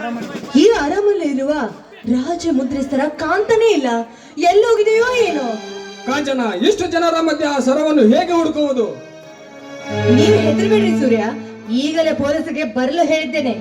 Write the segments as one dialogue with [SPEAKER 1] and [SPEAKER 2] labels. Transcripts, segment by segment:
[SPEAKER 1] ಈ ಅರಮನೆ ಇರುವ ರಾಜ ಮುದ್ರಿಸ್ತರ ಕಾಂತನೇ ಇಲ್ಲ, ಎಲ್ಲೋಗಿದೆಯೋ ಏನೋ.
[SPEAKER 2] ಕಾಂಚನ, ಇಷ್ಟು ಜನರ ಮಧ್ಯೆ ಆ ಸರವನ್ನು ಹೇಗೆ ಹುಡುಕುವುದು?
[SPEAKER 1] ನೀವು ಹೆದರಬೇಡ್ರಿ ಸೂರ್ಯ, ಈಗಲೇ ಪೊಲೀಸರಿಗೆ ಬರಲು ಹೇಳಿದ್ದೇನೆ.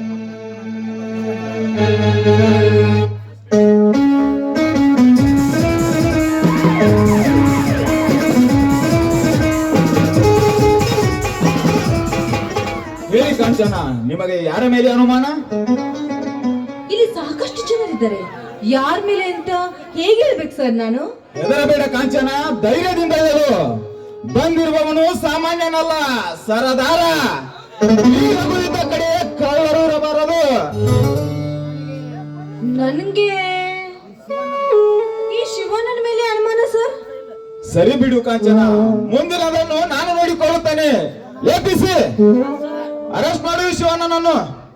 [SPEAKER 3] ಹೇಳಿ ಕಾಂಚನ, ನಿಮಗೆ ಯಾರ ಮೇಲೆ ಅನುಮಾನ?
[SPEAKER 1] ಇಲ್ಲಿ ಸಾಕಷ್ಟು ಜನರಿದ್ದಾರೆ, ಯಾರ ಮೇಲೆ ಅಂತ ಹೇಗೆ ಹೇಳ್ಬೇಕು ಸರ್ ನಾನು?
[SPEAKER 3] ಹೆದರಬೇಡ ಕಾಂಚನ, ಧೈರ್ಯದಿಂದ ಹೇಳು. ಬಂದಿರುವವನು ಸಾಮಾನ್ಯನಲ್ಲ, ಸರದಾರ. ಈಗ ಕುಳಿತ ಕಡೆ ಕಳ್ಳರು ಇರಬಾರದು.
[SPEAKER 1] ನನ್ಗೆ ಈ ಶಿವಣ್ಣನ ಮೇಲೆ ಅನುಮಾನ ಸರ್.
[SPEAKER 3] ಸರಿ ಬಿಡು ಕಾಂಚನ, ಮುಂದಿನದನ್ನು ನಾನು ನೋಡಿಕೊಳ್ಳುತ್ತೇನೆ. ಎಪಿಸಿ ಅರೆಸ್ಟ್ ಮಾಡು ಶಿವಣ್ಣನನ್ನು.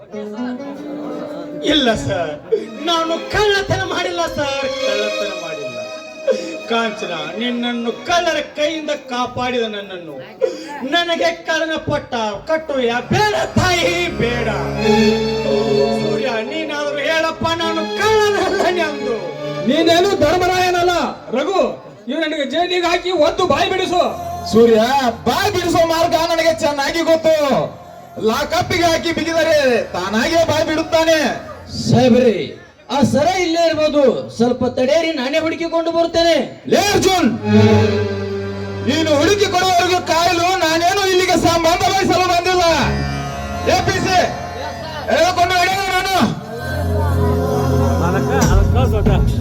[SPEAKER 4] ಇಲ್ಲ ಸರ್, ನಾನು ಕಳ್ಳತನ ಮಾಡಿಲ್ಲ ಸರ್, ಕಳ್ಳತನ ಮಾಡಿಲ್ಲ. ಕಾಂಚನ, ನಿನ್ನನ್ನು ಕಳ್ಳರ ಕೈಯಿಂದ ಕಾಪಾಡಿದ ನನ್ನನ್ನು ನನಗೆ ಕಳ್ಳನ ಪಟ್ಟ ಕಟ್ಟುವ ಬೇಡ ತಾಯಿ, ಬೇಡ. ಸೂರ್ಯ, ನೀನಾದರೂ ಹೇಳಪ್ಪ, ನಾನು ಕಳ್ಳನಲ್ಲ ಎಂದು.
[SPEAKER 2] ನೀನೇನು ಧರ್ಮರಾಯನಲ್ಲ. ರಘು, ಇವ್ ನನಗೆ ಜೈಲಿಗೆ ಹಾಕಿ ಒದ್ದು ಬಾಯಿ ಬಿಡಿಸು.
[SPEAKER 3] ಸೂರ್ಯ, ಬಾಯಿ ಬಿಡಿಸೋ ಮಾರ್ಗ ನನಗೆ ಚೆನ್ನಾಗಿ ಗೊತ್ತು. ಲಾಕಪ್ಪಿಗೆ ಹಾಕಿ ಬಿಗಿದರೆ ತಾನಾಗೆ ಬಾಯಿ ಬಿಡುತ್ತಾನೆ.
[SPEAKER 5] ಸಾಹೇಬ್ರಿ, ಆ ಸರ ಇಲ್ಲೇ ಇರ್ಬೋದು, ಸ್ವಲ್ಪ ತಡೆಯರಿ, ನಾನೇ ಹುಡುಕಿಕೊಂಡು ಬರುತ್ತೇನೆ.
[SPEAKER 3] ಲೇ ಅರ್ಜುನ್, ನೀನು ಹುಡುಕಿ ಕೊಡುವವರೆಗೂ ಕಾಯಲು ನಾನೇನು ಇಲ್ಲಿಗೆ ಸಂಬಂಧ ವಹಿಸಲು ಬಂದಿಲ್ಲ. ಎಪಿಸಿ ಎಳೆದುಕೊಂಡು ನಡೆಯುವ ನಾನು.